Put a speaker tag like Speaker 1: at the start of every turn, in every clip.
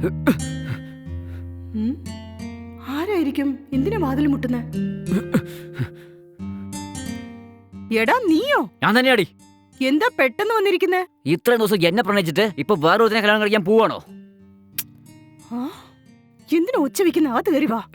Speaker 1: ആരായിരിക്കും? എന്തിനാ വാതിൽ മുട്ടുന്നേ? എടാ നീയോ?
Speaker 2: ഞാൻ തന്നെയാടി.
Speaker 1: എന്താ പെട്ടെന്ന് വന്നിരിക്കുന്നേ?
Speaker 2: ഇത്രയും ദിവസം എന്നെ പ്രണയിച്ചിട്ട് ഇപ്പൊ വേറൊരുത്തിനെ കല്യാണം കഴിക്കാൻ പോവാണോ?
Speaker 1: എന്തിനാ ഒച്ച വെക്കുന്ന? അത് കയറി വാ.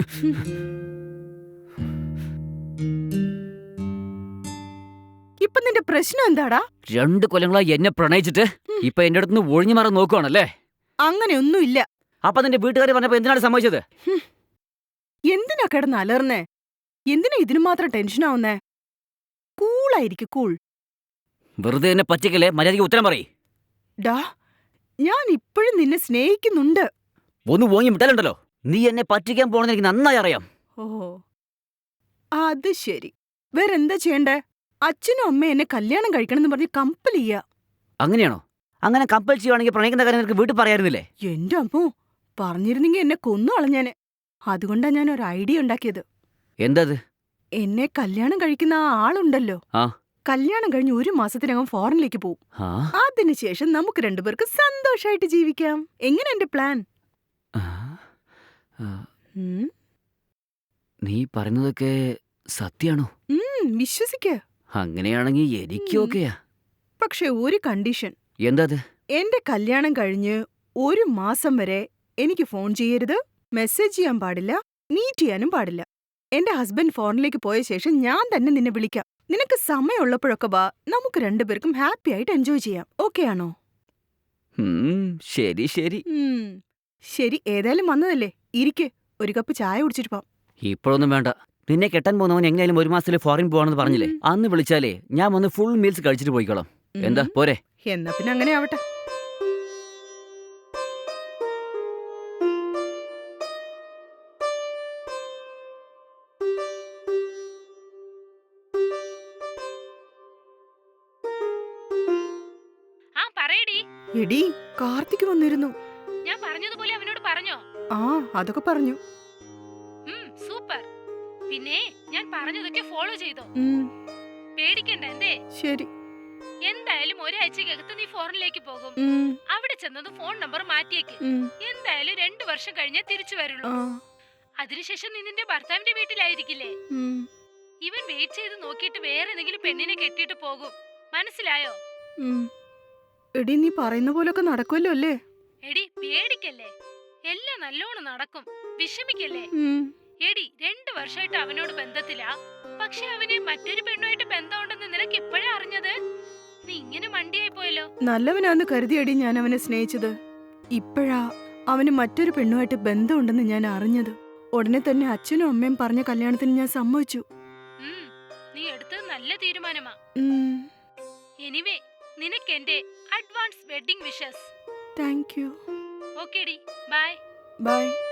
Speaker 1: ഇപ്പൊ നിന്റെ പ്രശ്നം എന്താടാ?
Speaker 2: 2 കൊല്ലങ്ങളായി എന്നെ പ്രണയിച്ചിട്ട് ഇപ്പൊ എന്റെ അടുത്ത് ഒഴിഞ്ഞു മാറാൻ നോക്കുവാണല്ലേ?
Speaker 1: അങ്ങനെയൊന്നുമില്ല.
Speaker 2: അപ്പൊ നിന്റെ വീട്ടുകാർ പറഞ്ഞപ്പോ എന്തിനാണ് സമ്മതിച്ചത്?
Speaker 1: എന്തിനാ കിടന്ന് അലർന്നേ? എന്തിനാ ഇതിനു മാത്രം ടെൻഷനാവുന്നേ? കൂളായിരിക്കും, കൂൾ.
Speaker 2: വെറുതെ എന്നെ പറ്റിക്കല്ലേ, മര്യാദയ്ക്ക് ഉത്തരം പറയ്.
Speaker 1: ഡാ, ഞാൻ ഇപ്പോഴും നിന്നെ സ്നേഹിക്കുന്നുണ്ട്.
Speaker 2: ഒന്ന് ഓങ്ങി വിട്ടാലുണ്ടല്ലോ, നീ എന്നെ പറ്റിക്കാൻ പോണെന്ന് എനിക്ക് നന്നായി അറിയാം.
Speaker 1: ഓ, അത് ശരി. വേറെന്താ ചെയ്യണ്ടേ? അച്ഛനും അമ്മയും എന്നെ കല്യാണം കഴിക്കണമെന്ന് പറഞ്ഞ് കമ്പൽ ചെയ്യാ.
Speaker 2: അങ്ങനെയാണോ? അങ്ങനെ കമ്പൽ ചെയ്യുവാണെങ്കിൽ പ്രണയിക്കുന്ന കാര്യം നിനക്ക് വീട്ടിൽ പറയായിരുന്നില്ലേ?
Speaker 1: എന്റെ അമ്മോ, പറഞ്ഞിരുന്നെങ്കിൽ എന്നെ കൊന്നു കളഞ്ഞാന്. അതുകൊണ്ടാ ഞാൻ ഒരു ഐഡിയ ഉണ്ടാക്കിയത്.
Speaker 2: എന്തത്?
Speaker 1: എന്നെ കല്യാണം കഴിക്കുന്ന ആ ആളുണ്ടല്ലോ, കല്യാണം കഴിഞ്ഞ് 1 മാസത്തിനകം ഫോറിനിലേക്ക് പോവും. അതിനുശേഷം നമുക്ക് 2 പേർക്ക് സന്തോഷായിട്ട് ജീവിക്കാം. എങ്ങനെ എന്റെ പ്ലാൻ?
Speaker 2: നീ പറയുന്നതൊക്കെ സത്യാണോ?
Speaker 1: വിശ്വസിക്ക.
Speaker 2: അങ്ങനെയാണെങ്കിൽ എനിക്ക് ഓക്കെയാ.
Speaker 1: പക്ഷെ ഒരു കണ്ടീഷൻ.
Speaker 2: എന്താത്?
Speaker 1: എന്റെ കല്യാണം കഴിഞ്ഞ് 1 മാസം വരെ എനിക്ക് ഫോൺ ചെയ്യരുത്, മെസ്സേജ് ചെയ്യാൻ പാടില്ല, മീറ്റ് ചെയ്യാനും പാടില്ല. എന്റെ ഹസ്ബൻഡ് ഫോറിനിലേക്ക് പോയ ശേഷം ഞാൻ തന്നെ നിന്നെ വിളിക്കാം. നിനക്ക് സമയമുള്ളപ്പോഴൊക്കെ വാ, നമുക്ക് 2 പേർക്കും ഹാപ്പി ആയിട്ട് എൻജോയ് ചെയ്യാം. ഓക്കെ ആണോ?
Speaker 2: ശരി ശരി
Speaker 1: ശരി, ഏതായാലും വന്നതല്ലേ, ഇരിക്ക്, ഒരു കപ്പ് ചായ കുടിച്ചിട്ട് പോവാം.
Speaker 2: ഇപ്പോഴൊന്നും വേണ്ട. നിന്നെ കെട്ടാൻ പോകുന്നവൻ എങ്ങനെയാലും 1 മാസത്തിൽ ഫോറിൻ പോവാണെന്ന് പറഞ്ഞില്ലേ? അന്ന് വിളിച്ചാലേ ഞാൻ വന്ന് ഫുൾ മീൽസ് കഴിച്ചിട്ട് പോയിക്കോളാം. എന്താ പോരെ?
Speaker 1: എന്നാ പിന്നെ അങ്ങനെ ആവട്ടെ. എടി, കാർത്തിക് വന്നിരുന്നു.
Speaker 3: ഞാൻ പറഞ്ഞതുപോലെ അവനോട് പറഞ്ഞോ?
Speaker 1: ആ, അതൊക്കെ പറഞ്ഞു.
Speaker 3: സൂപ്പർ. പിന്നെ ഞാൻ പറഞ്ഞതൊക്കെ ഫോളോ ചെയ്തോ? പേടിക്കണ്ട. എന്തേ?
Speaker 1: ശരി.
Speaker 3: എന്തായാലും ഒരാഴ്ചക്കകത്ത് നീ ഫോറിനിലേക്ക് പോകും. അവിടെ ചെന്നത് ഫോൺ നമ്പർ മാറ്റിയേക്ക്. എന്തായാലും 2 വർഷം കഴിഞ്ഞേ തിരിച്ചു വരുള്ളൂ. അതിനുശേഷം നീ നിന്റെ ഭർത്താവിന്റെ വീട്ടിലായിരിക്കില്ലേ? ഇവൻ വെയിറ്റ് ചെയ്ത് നോക്കിയിട്ട് വേറെ ഏതെങ്കിലും പെണ്ണിനെ കെട്ടിയിട്ട് പോകും. മനസ്സിലായോ?
Speaker 1: എടി, നീ പറയുന്ന പോലൊക്കെ നടക്കുമല്ലോ അല്ലേ?
Speaker 3: എടി, പേടിക്കല്ലേ, എല്ലാം നല്ലോണം നടക്കും. വിഷമിക്കല്ലേ. എടി, 2 വർഷമായിട്ട് അവനോട് ബന്ധത്തിലാ. പക്ഷെ അവന് മറ്റൊരു പെണ്ണുമായിട്ട് ബന്ധമുണ്ടെന്ന് നിനക്ക് ഇപ്പോഴാ അറിഞ്ഞത്. നീ ഇങ്ങനെ മണ്ടിയായി പോയല്ലോ.
Speaker 1: നല്ലവനാന്ന് കരുതിയടി ഞാൻ അവനെ സ്നേഹിച്ചത്. ഇപ്പോഴാ അവന് മറ്റൊരു പെണ്ണുമായിട്ട് ബന്ധമുണ്ടെന്ന് ഞാൻ അറിഞ്ഞത്. ഉടനെ തന്നെ അച്ഛനും അമ്മയും പറഞ്ഞ കല്യാണത്തിന് ഞാൻ സമ്മതിച്ചു.
Speaker 3: നീ എടുത്തത് നല്ല തീരുമാനമാ. എനിവേ, നിനക്ക് എന്റെ advance wedding wishes.
Speaker 1: Thank you.
Speaker 3: ഓക്കേടി, ബൈ.
Speaker 1: ബൈ.